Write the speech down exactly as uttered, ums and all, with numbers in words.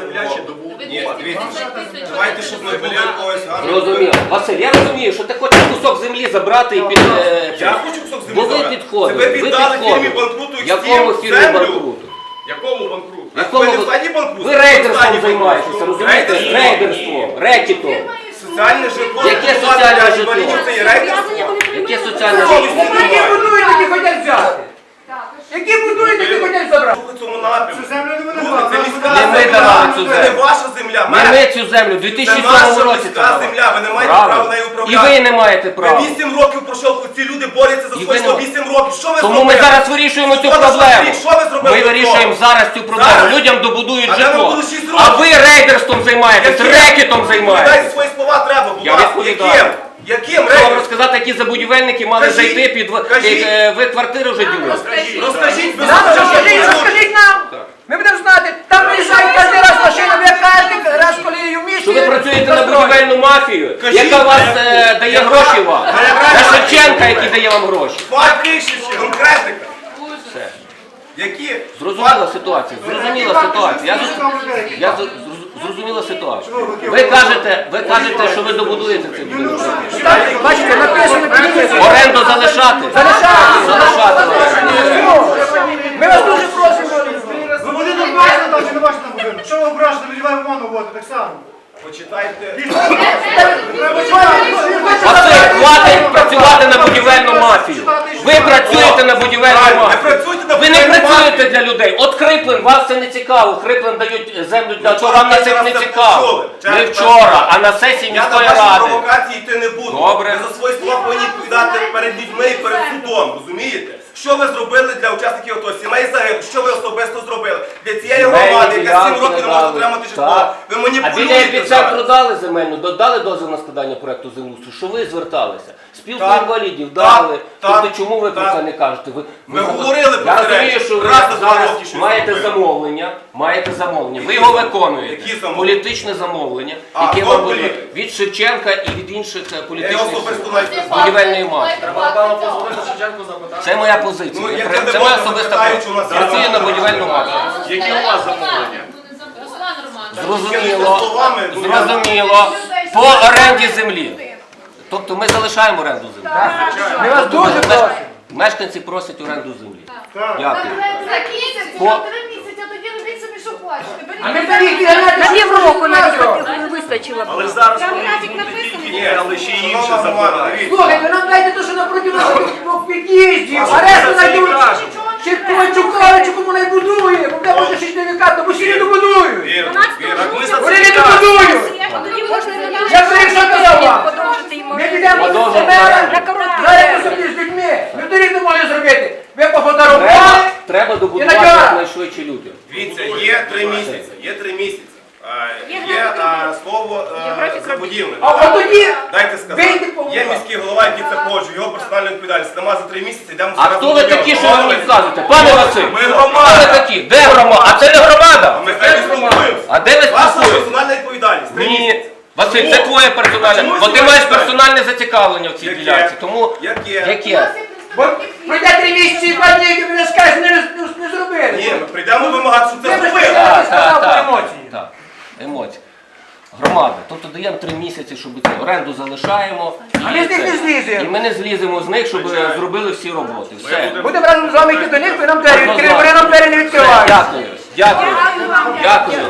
земля ще добу. Ні, дивіться, давайте, щоб не було якогось гарного. Зрозуміло. Василь, я розумію, що ти хочеш кусок землі забрати і під... е, Я хочу кусок землі Бо ви забрати. підходили, Це ви ви віддали підходили. фірмі банкруту Якому Екстім фірмі землю. банкруту? Якому банкруту? Якому Ви не ви- в стані банкруту? Ви Ви в рейдерством стані займаєтеся, банкруту. розумієте? Рейдерством? Рейдерством, рекетом. Соціальне житло. Яке будувати соціальне для житло? інвалідів, це є рейдерство. Яке соціальне Совісті житло? Які немає. будують, які хочуть взяти. Які будують, які хочуть забрати. У цьому напрямку. Цю землю не вони Друге, це давали, міська Не ми земля, давали цю це не землю. ваша земля. Не Мене- ми цю землю в дві Це тисячі наша сьомому році міська давали. земля, ви не маєте Правильно. права нею І управляти. ви не маєте Ви права. вісім років пройшов, ці люди борються за І свої ви не- сто вісім років. Що ви Тому зробили? ми зараз вирішуємо цю Що ви проблему. зробили? Що ви зробили Ми для вирішуємо того? зараз цю проблему. Зараз? Людям добудують А де житло. вам було шість А років? ви рейдерством займаєтесь, Яким? рекетом Дайте займаєтесь. свої слова треба, будь Я ласка. відповідаю. Яким? Яким Що вам рейдерством? розказати, які забудівельники мали Кажіть, зайти під... в- кажіть. е, Ви квартири вже ділили? Розкажіть, ви Нам знаєте, розкажіть, що розкажіть нам. Ми будемо знати. Там приїжджають кожен раз машина, ви кожен раз, коли її в місті. Що ви працюєте на будівельну мафію, Кажіть, яка вас е, е, дає яка- гроші вам? яка- На Шевченка, який дає вам гроші. Факти, конкретика. Все. Які? Зрозуміла ситуація, зрозуміла ситуація. Я, зрозу- я зрозу- зрозуміла ситуацію. Ви кажете, ви кажете, що ви добудуєте цей будинок. Бачите, написано підписано. Оренду залишати? Залишати. Залишати. Ми вас дуже просимо. Ви будинок бачите там чи не бачите там будинок? Що ви ображаєте, людьми вимону вводите, так само. Почитайте. Василь, хватить працювати на будівельну мафію. Ви працюєте на будівельну Правильно, не мафію. працюйте на Ви не будівельну працюєте для людей. От Криплин, вас це не цікаво. Криплин дають землю для того, вам на це не цікаво. Не вчора, а на сесії Я на міської ваші ради. провокації йти не буду. Добре. Ви за свої слова повинні відповідати перед людьми і перед судом, розумієте? Що ви зробили для учасників АТО? Сімей загиблих, що ви особисто зробили? Для цієї громади, яка сім років не може отримати житло. Так. Ви А біля маніпулюєте епіцентру зараз. дали земельну, додали дозвіл на складання проекту землеустрою, що ви зверталися. Спілку Так, інвалідів так, дали. так, Тобто чому ви про так. це не кажете? Ви, Ми ви- говорили про Я це розумію, речі. що ви Раз на два зараз роки щось маєте зробили. замовлення, маєте замовлення. Ви його виконуєте. Які замовлення? Політичне замовлення, А, яке хто вам буде політик? від Шевченка і від інших е, Я політичних особисто сил. навіть не знаю. Будівельної мафії. Це моя позиція. Ну, Я як при- я Це моя демократ, особиста питаю, позиція. чи у нас є Працюю на замовлення. будівельну мафію. Які у вас замовлення? Руслан Романович. Зрозуміло, словами, ну, я- зрозуміло. По оренді землі. Тобто ми залишаємо оренду землі. Ми вас дуже просимо. Мешканці просять оренду землі. Так. Дякую. Закінчиться, По- на три місяці, а тоді робіть собі, що хочете. Беріть. А ми тоді їх відганяти На півроку навіть навіть. вистачило. Але зараз Там повинні графік бути написаний. тільки ні, але ще й інше Шановна громада, забирають. дивіться. Слухайте, нам дайте те, що напроти нас в під'їзді. А Арешту що це і знайдуть. кажуть? Чи Ковальчуковичу кому не будує, бо де може шістдесят, бо всі не добудують. Вірно, вірно. Так ми за Вони це не і кажемо. добудують. Тоді можна Я вирішив, що казав вам. подовжити їм Ми підемо до Подовжити мера, оренду. на короткий зараз термін. посидіть з людьми. Півторік не може зробити. Ви Треба, пофотографували. треба добудувати І на чого? якнайшвидше людям. Дивіться, є три місяці, є три місяці. А, Є а, слово а, забудівник. А от тоді Дайте сказати. вийди по Є міський голова, який це погоджує, його персональна відповідальність. Нема за три місяці, йдемо А зараз хто до ви нього. такі, що ви мені вказуєте? Пане Василь, Ми хто громада. ви такі? Де громада? А це не громада. Ми з нею спілкуємося. А де ви Ваша спілкуєтесь? персональна відповідальність. Три Ні. місяці. Василь, це Чому? твоє персональне, Чому бо ти це маєш персональне? персональне зацікавлення в цій Яке? ділянці. Тому Яке? яке? Бо пройде три місяці і два дні, як ви не скажете, не, не, не зробили. Ні, ми прийдемо вимагати, щоб Це це ви зробили. ж Так, сказав так, про так. емоції. Так, емоції. Громада. Тобто даємо три місяці, щоб це оренду залишаємо. А ми з них це. не зліземо. І ми не зліземо з них, щоб зробили всі роботи. Все. Будемо разом з вами йти до них, ви нам двері відкрили, вони нам двері не відкривають. Дякую. Дякую. Дякую.